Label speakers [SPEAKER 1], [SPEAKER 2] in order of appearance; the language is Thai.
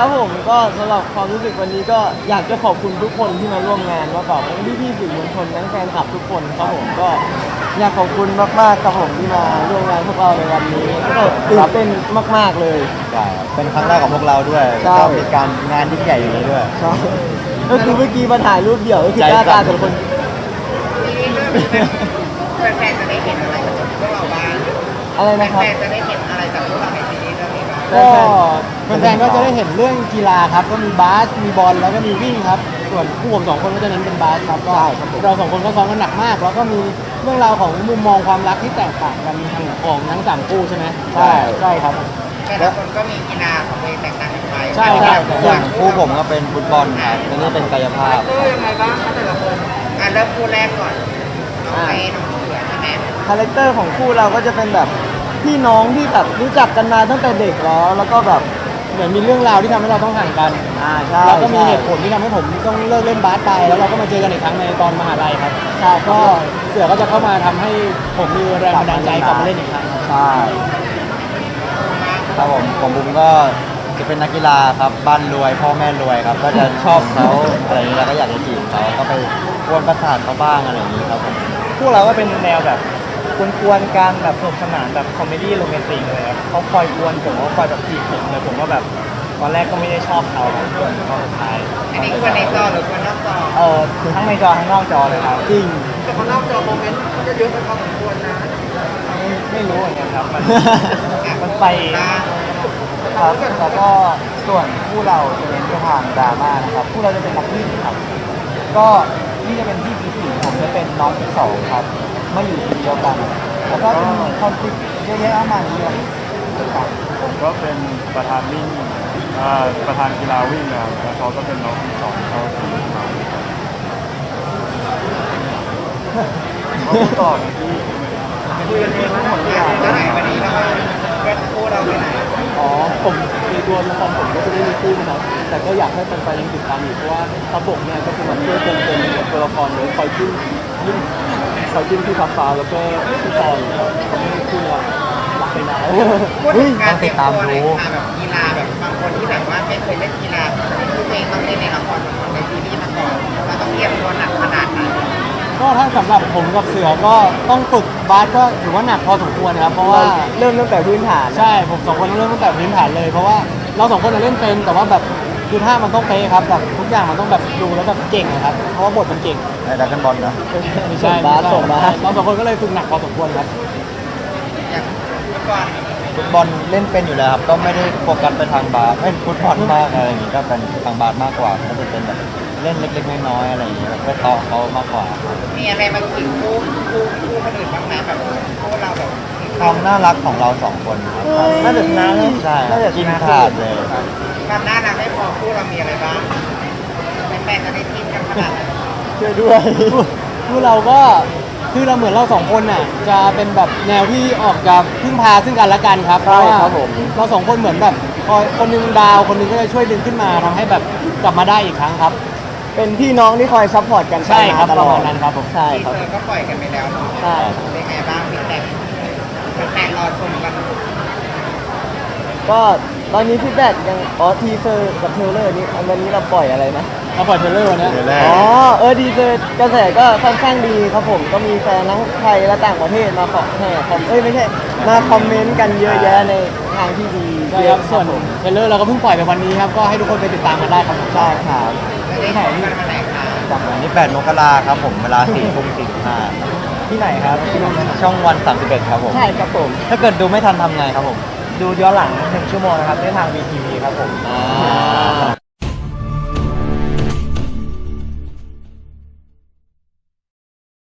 [SPEAKER 1] ครับผมก็สำหรับความรู้สึกวันนี้ก็อยากจะขอบคุณทุกคนที่มาร่วมงานว่าแบบพี่ๆสื่อมวลชนทั้งแฟนคลับทุกคนครับผมก็อยากขอบคุณมากๆครับผมที่มาร่วมงานพวกเราในวันนี้ก็ตื่นเต้นมากๆเลย
[SPEAKER 2] ใช่ครับเป็นครั้งแรกของพวกเราด้วย
[SPEAKER 1] ใช่
[SPEAKER 2] ก็มีการงานยิ่งใหญ่อย่างนี้ด้วย
[SPEAKER 1] ใช่ก็คือเมื่อกี้มาถ่ายรูปเดี่ยวก็คือหน้าตาแต่ละคน
[SPEAKER 3] แฟนๆจะได้เห็นอะไรจากพวกเราบ้าง
[SPEAKER 1] อะไรนะครับ
[SPEAKER 3] แฟนๆจะได้เห็นอะไรจากพวกเราในซีรีส์เรื่องนี้บ้าง
[SPEAKER 1] ก็
[SPEAKER 4] แฟนๆก็จะได้เห็นเรื่องกีฬาครับก็มีบาสมีบอลแล้วก็มีวิ่งครับส่วนผู้ผมสองคนก็จะเน้นเป็นบาสครับก็เราสองคนก็ซ้อมกันหนักมาก แล้วก็มีเรื่องราวของมุมมองความรักที่แตกต่างกันของทั้งสามคู่ใช่ไหมใช่ครับ
[SPEAKER 3] แต่ละคนก็มีกีฬาของตัวเองแตกต่างกันไป
[SPEAKER 4] ใช่ครับ
[SPEAKER 2] อย่างคู่ผมก็เป็นฟุตบอลครับอันนี้เป็นกายภาพ
[SPEAKER 3] ยังไงบ้างคะแต่ละคนเริ่มคู่แรกก่อนน้องเมย์น้องเสือใช่ไหม
[SPEAKER 1] คาแรคเตอร์ของคู่เราก็จะเป็นแบบพี่น้องที่แบบรู้จักกันมาตั้งแต่เด็กแล้วก็แบบ
[SPEAKER 4] เหมือนมีเรื่องราวที่ทำให้เราต้องห่างกัน
[SPEAKER 1] ใช่
[SPEAKER 4] แล้วก็มี
[SPEAKER 1] ใช่
[SPEAKER 4] เหตุผลที่ทำให้ผมต้องเลิกเล่นบาสไปแล้วเราก็มาเจอกันอีกครั้งในตอนมหาลัยครับใช่ก็เสือก็จะเข้ามาทำให้ผมมีแรงบันดาลใจกลับมาเล่นอีกครั้งครับ
[SPEAKER 1] ใช่
[SPEAKER 2] ครับผมบุ้มก็จะเป็นนักกีฬาครับบ้านรวยพ่อแม่รวยครับก็จะชอบเขาอะไรอย่างนี้แล้วก็อยากจะจีบเขาก็ไปกวนประสาทเขาบ้างอะไรอย่างนี้ครับผม
[SPEAKER 4] พวกเราก็เป็นแนวแบบกวนๆกันแบบสนุกสนานแบบคอมเมดี้โรแมนติกเลยครับเขาคอยกวนผมเขาคอยแบบจีบผมเลยผมก็แบบตอนแรกก็ไม่ได้ชอบเขาจนตอนสุดท้าย
[SPEAKER 3] อันนี้ควรในจอหรือควรนอกจอ
[SPEAKER 4] คือทั้งในจอทั้งนอกจอเลยครับ
[SPEAKER 1] จริง
[SPEAKER 3] แต่คนนอกจอโมเมนต์เขาจะเยอะไปพอสมควรนะ
[SPEAKER 4] ไม่รู้เหมือนกันครับมันไป
[SPEAKER 3] บ้าง
[SPEAKER 4] ครับแล้วก็ส่วนคู่เราจะเน้นไปทางดราม่านะครับคู่เราจะเป็นนักวิ่งครับก็นี่จะเป็นพี่ปีสี่ผมจะเป็นน้องปีสองครับมาอยู่ทีมเดียวกันแล้วก็จะมีคอนฟ lict เยอะแยะมากมายเลยครับ
[SPEAKER 5] ผมก็เป็นประธานวิ่งประธานกีฬาวิ่งนะครับแล้วเขาก็เป็นน้องที่สองเขาทีมมาเขาพูดต่อที่
[SPEAKER 3] คุยกันเองว่าหมดเวลาไปไหนวันนี้เราก็คู่เราไปไหน
[SPEAKER 4] อ๋อผมในตัวละครผมก็จะไม่มีคู่นะครับแต่ก็อยากให้แฟนๆยังติดตามอยู่เพราะว่าทับบกเนี่ยก็คือมันช่วยเติมเต็มตัวละครเลยคอยจิ้มที่ฟ้าฟ้าแล้วก็ที่ตอนครับทำให้คู่เรารักไปนาน
[SPEAKER 3] พูดถึงการเตรียมตัวในแบบกีฬาแบบบางคนที่แบบว่าไม่เคยเล่นกีฬาคือตัวเองต้องเล่นในละครในซีรีส์มาก่อนเราต้องเตรียมตัวหนักขนาดไหน
[SPEAKER 4] ก็ถ้าสำหรับผมกับเสือก็ต้องฝึกบาสก็ถือว่าหนักพอสมควรนะครับเพราะว่า
[SPEAKER 1] เริ่มตั้งแต่พื้นฐาน
[SPEAKER 4] ใช่ผมสองคนเริ่มตั้งแต่พื้นฐานเลยเพราะว่าเราสองคนเล่นเป็นแต่ว่าแบบคือท่ามันต้องเป๊ะครับแบบทุกอย่างมันต้องแบบดูแล้วแบบเก่งนะครับเพราะว่าบทมันเก่ง
[SPEAKER 2] ไอ้ดักกันบอลนะ
[SPEAKER 4] ไม่ใช่
[SPEAKER 1] ส่งบาส
[SPEAKER 4] เราสองคนก็เลยฝึกหนักพอสมควรครับ
[SPEAKER 3] อย่างเมื่อก่อน
[SPEAKER 2] ฟุตบอลเล่นเป็นอยู่แล้วครับก็ไม่ได้โฟกัสไปทางบาสฟุตบอลมากอะไรอย่างนี้ก็เป็นทางบาสมากกว่าก็จะเป็นแบบเล่นเล็กๆน้อยๆอะไรอย่างนี้แบบไปต่อเขามากกว่าครับ
[SPEAKER 3] มีอะไรมาขิงคู่คนอื่นบ้างไหมแบบคู่เราแบบ
[SPEAKER 2] ความน่ารักของเราสองคนครับ
[SPEAKER 1] น่าจะชนะเลย
[SPEAKER 2] ใช่ครับ
[SPEAKER 1] น่าจะช
[SPEAKER 2] กิน
[SPEAKER 1] นะ
[SPEAKER 2] ขาดเลย
[SPEAKER 3] ความน่ารักไม่พอคู่เรามีอะไรบ้างแฟนๆจะได้ทีมกันขนาดไหน
[SPEAKER 1] ช่วยด้วย
[SPEAKER 4] คือเราก็คือเราเหมือนเราสองคนน่ะจะเป็นแบบแนวที่ออกจะพึ่งพาซึ่งกันและกันครับเพ
[SPEAKER 1] ใช่
[SPEAKER 4] ราะว่า
[SPEAKER 1] ครับผม
[SPEAKER 4] เราสองคนเหมือนแบบคอยคนหนึงดาวคนหนึงก็จะช่วยดึงขึ้นมาทำให้แบบกลับมาได้อีกครั้งครับ
[SPEAKER 1] เป็นพี่น้องที่คอยซัพพอร์ตกัน
[SPEAKER 4] ใช่ครับ
[SPEAKER 1] ต
[SPEAKER 4] ป
[SPEAKER 1] ล
[SPEAKER 4] ระ
[SPEAKER 1] อ
[SPEAKER 4] มา
[SPEAKER 1] ด
[SPEAKER 4] ณนั้นครับผม
[SPEAKER 1] ใช่
[SPEAKER 3] ที
[SPEAKER 1] ครับ
[SPEAKER 3] เซอร์ก็ปล่อยกันไปแล้วเนาะ
[SPEAKER 1] ใช่
[SPEAKER 3] เป็นไงบ้างพี่แตกแฟนๆรอชมกัน
[SPEAKER 1] ก็ตอนนี้พี่แบกยังทีเซอร์กับเทรลเลอร์นี่วันนี้เราปล่อยอะไรนะ
[SPEAKER 4] เราปล่อยเทรลเลอร์วันเนี้ย
[SPEAKER 2] เทรลเลอร์
[SPEAKER 1] ทีเซอร์กระแสก็ค่อนข้างดีครับผมก็มีแฟนทั้งไทยและต่างประเทศมาขอแห่คอมไม่ใช่มาคอมเมนต์กันเยอะแยะในทางที่ดี
[SPEAKER 4] ใช่ครับส่วนเทรลเลอร์เราก็เพิ่งปล่อยไปวันนี้ครับก็ให้ทุกคนไปติดตามกันได้ครับผม
[SPEAKER 1] ใช่ครับ
[SPEAKER 3] จะได้ชมกันวันไหนคะ
[SPEAKER 2] วันนี้8 มกราครับผมเวลา4 ทุ่ม 45
[SPEAKER 4] ที่ไหนครับ
[SPEAKER 2] ช่องวัน 31 ครับผม
[SPEAKER 1] ใช่ครับผม
[SPEAKER 2] ถ้าเกิดดูไม่ทันทำไงครับผม
[SPEAKER 4] ดูย้อนหลัง1 ชั่วโมงนะครับได้ทาง VTV ครับผม
[SPEAKER 2] อ่า